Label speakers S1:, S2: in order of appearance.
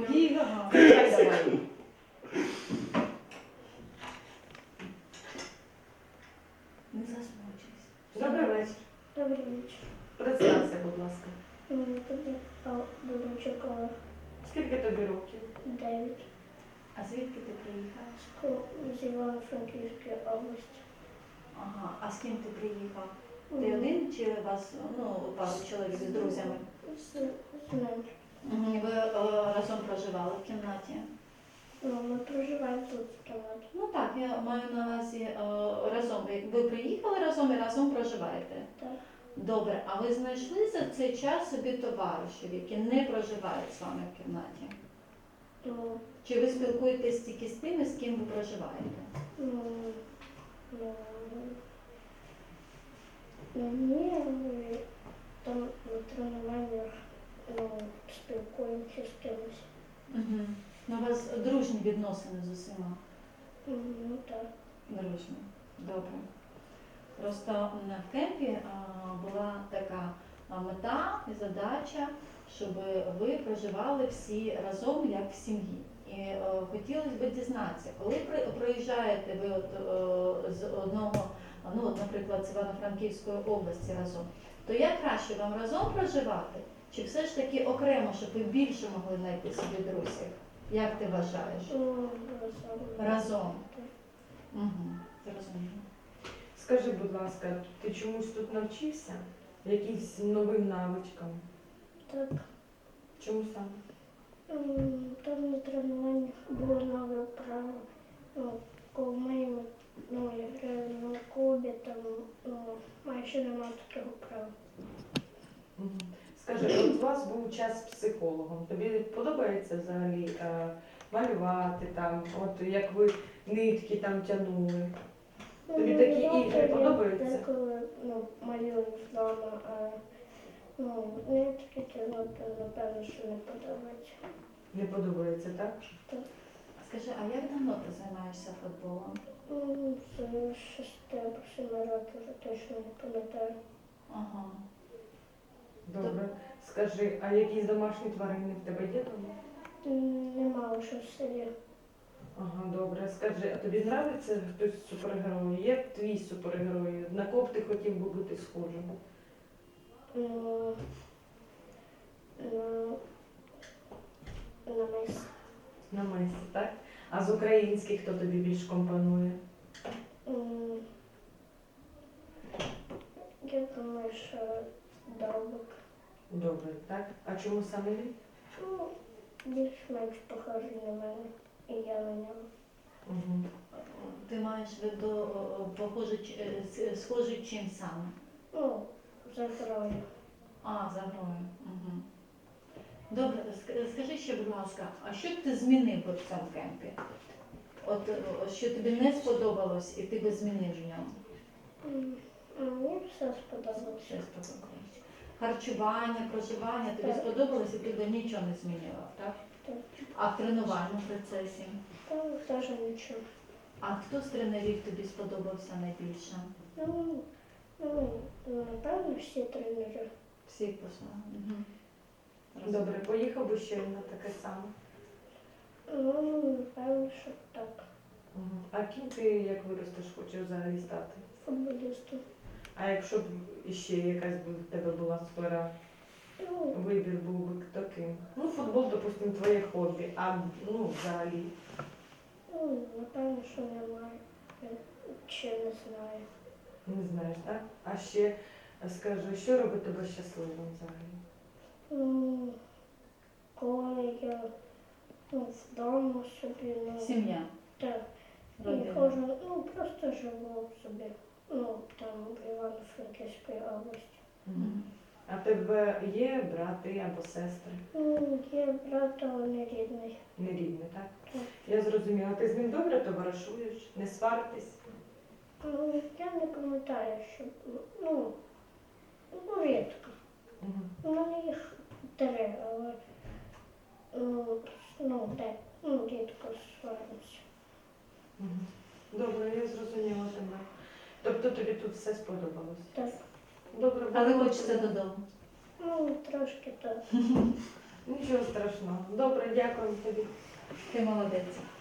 S1: Ага. Давай. Не засмучуйся.
S2: Добрий вечір.
S3: Добрий вечір.
S2: Представся, будь ласка.
S3: Мені тобі Дубничук Олег,
S2: Скільки тобі років?
S3: 9,
S1: А звідки ти приїхав?
S3: з Івано-Франківської області.
S1: Ага. А з ким ти приїхав? Ти один чи у вас пару чоловік з друзями?
S3: З ним.
S1: Ви разом проживали в кімнаті?
S3: Ми проживаємо тут в кімнаті.
S1: Ну так, я маю на увазі разом. Ви приїхали разом і разом проживаєте?
S3: Так.
S1: Добре, а ви знайшли за цей час собі товаришів, які не проживають з вами в кімнаті?
S3: Ну,
S1: Чи ви спілкуєтесь тільки з тими, з ким ви проживаєте?
S3: ні, ми там на тренуваннях спілкуємося з кимось.
S1: Угу. Ну, у вас дружні відносини з усіма?
S3: Ну так.
S1: Дружні. Добре. Просто в кемпі була така мета і задача, щоб ви проживали всі разом, як в сім'ї. І хотілося б дізнатися, коли проїжджаєте ви з одного, наприклад, з Івано-Франківської області разом, то як краще вам разом проживати, чи все ж таки окремо, щоб ви більше могли знайти собі друзів? Як ти вважаєш? Разом. Угу. Зрозуміло.
S2: Скажи, будь ласка, ти чомусь тут навчився? Якимсь новим навичкам?
S3: Так.
S2: Чому саме?
S3: Там на тренуваннях було нове право. Коли ми грали на клубі, там майже немає такого права.
S2: Угу. Скажи, от у вас був час з психологом. Тобі подобається взагалі малювати там, от як ви нитки там тягнули? Тобі такі ігри подобаються?
S3: Я деколи малюю вдома, а нитки тягнути, напевно, що не подобається.
S2: Не подобається, так?
S3: Так.
S1: Скажи, а як давно ти займаєшся футболом?
S3: З 6 або 7 років, вже точно не пам'ятаю.
S1: Ага.
S2: Добре. Скажи, а якісь домашні тварини в тебе є дома?
S3: Нема вже в селі.
S2: Ага, добре. Скажи, а тобі подобається хтось з супергероїв? Є твій супергерой? На кого б ти хотів би бути схожим?
S3: На мис.
S2: На Месі, так? А з українських хто тобі більш компонує?
S3: Я думаю, що Довбик.
S2: Добре, так? А чому саме він?
S3: Більш-менш похожий на мене. І я на нього.
S2: Угу.
S1: Ти маєш в виду схожий чим саме?
S3: За грою.
S1: За грою. Угу. Добре, скажи ще, будь ласка, а що б ти змінив би в цьому кемпі? От що тобі не сподобалось і ти би змінив в ньому?
S3: Мені все сподобалося.
S1: Що сподобалось? Харчування, проживання, тобі
S3: Так.
S1: сподобалось і ти би нічого не змінила, так?
S3: Так.
S1: А в тренувальному процесі?
S3: Там теж нічого.
S1: А хто з тренерів тобі сподобався найбільше?
S3: Напевно, всі тренери.
S1: Всі по-своєму. Угу.
S2: Добре, поїхав би ще на таке саме.
S3: Напевно, що так.
S2: Угу. А ким ти, як виростеш, хочеш взагалі стати?
S3: Футболістом.
S2: А якщо б іще якась би в тебе була сфера, вибір був би таким? Футбол, допустимо, твоє хобі, а взагалі?
S3: Напевно, що немає. Чи не знаю.
S2: Не знаєш, так? А ще скажи, що робить тебе щасливим взагалі?
S3: Коли я вдома собі,
S1: Сім'я.
S3: так, і
S1: Родина.
S3: ходжу, просто живу собі, там в Івано-Франківській області.
S1: Мгм.
S2: А в тебе є брати або сестри?
S3: Є брат, але не рідний.
S2: Не рідні, так?
S3: Так.
S2: Я зрозуміла. Ти з ним добре товаришуєш? Не сваритесь?
S3: Я не пам'ятаю, що, рідко.
S2: Угу.
S3: У мене їх 3, але, рідко сваримося.
S2: Угу. Добре, я зрозуміла тебе. Тобто тобі тут все сподобалось?
S3: Так.
S2: Добре,
S1: Але
S2: будемо-
S1: хочеться додому.
S3: Трошки так.
S2: Нічого страшного. Добре, дякую тобі.
S1: Ти молодець.